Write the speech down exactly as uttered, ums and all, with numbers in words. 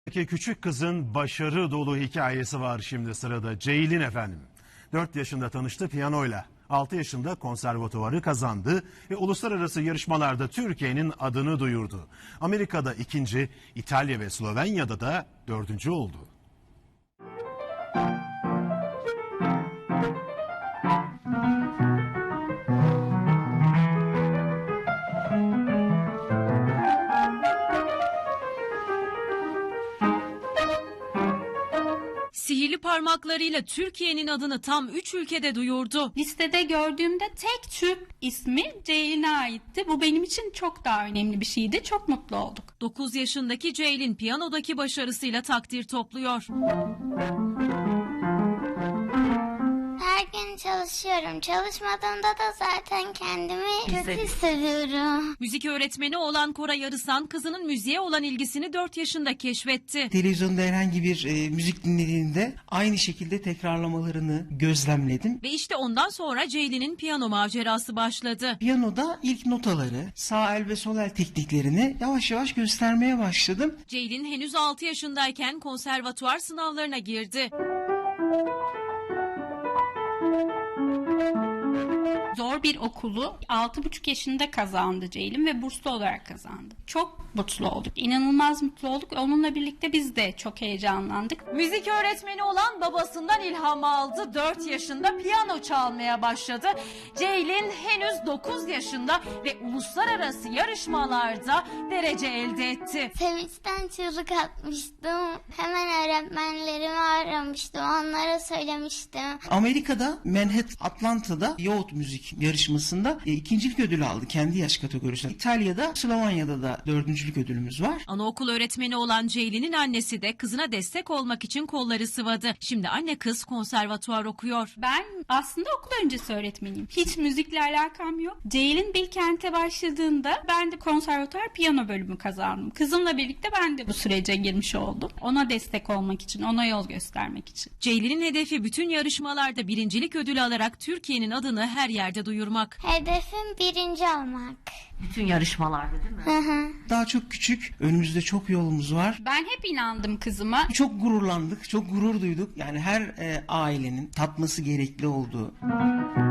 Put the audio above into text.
İki küçük kızın başarı dolu hikayesi var şimdi sırada. Ceylin efendim. dört yaşında tanıştı piyanoyla. altı yaşında konservatuvarı kazandı ve uluslararası yarışmalarda Türkiye'nin adını duyurdu. Amerika'da ikinci, İtalya ve Slovenya'da da dördüncü oldu. Sihirli parmaklarıyla Türkiye'nin adını tam üç ülkede duyurdu. Listede gördüğümde tek Türk ismi Ceylin'e aitti. Bu benim için çok daha önemli bir şeydi. Çok mutlu olduk. dokuz yaşındaki Ceylin piyanodaki başarısıyla takdir topluyor. Her gün çalışıyorum. Çalışmadığımda da zaten kendimi kötü hissediyorum. Müzik öğretmeni olan Koray Arısan kızının müziğe olan ilgisini dört yaşında keşfetti. Televizyonda herhangi bir e, müzik dinlediğinde aynı şekilde tekrarlamalarını gözlemledim. Ve işte ondan sonra Ceylin'in piyano macerası başladı. Piyanoda ilk notaları, sağ el ve sol el tekniklerini yavaş yavaş göstermeye başladım. Ceylin henüz altı yaşındayken konservatuvar sınavlarına girdi. Zor bir okulu altı buçuk yaşında kazandı Ceylin ve burslu olarak kazandı. Çok mutlu olduk. İnanılmaz mutlu olduk. Onunla birlikte biz de çok heyecanlandık. Müzik öğretmeni olan babasından ilham aldı. dört yaşında piyano çalmaya başladı. Ceylin henüz dokuz yaşında ve uluslararası yarışmalarda derece elde etti. Sevinçten çığlık atmıştım. Hemen öğretmenlerimi aramıştım. Onlara söylemiştim. Amerika'da Manhattan, Atlanta'da Youth Müzik yarışmasında e, ikincilik ödülü aldı kendi yaş kategorisinde. İtalya'da, Slovenya'da da dördüncülük ödülümüz var. Anaokul öğretmeni olan Ceylin'in annesi de kızına destek olmak için kolları sıvadı. Şimdi anne kız konservatuvar okuyor. Ben aslında okul öncesi öğretmeniyim. Hiç müzikle alakam yok. Ceylin Bilkent'e başladığında ben de konservatuvar piyano bölümü kazandım. Kızımla birlikte ben de bu sürece girmiş oldum. Ona destek olmak için, ona yol göstermek için. Ceylin'in hedefi bütün yarışmalarda birincilik ödülü alarak Türkiye'nin adını her yerde duyurmak. Hedefim birinci olmak. Bütün yarışmalarda değil mi? Hı hı. Daha çok küçük, önümüzde çok yolumuz var. Ben hep inandım kızıma. Çok gururlandık, çok gurur duyduk. Yani her e, ailenin tatması gerekli olduğu.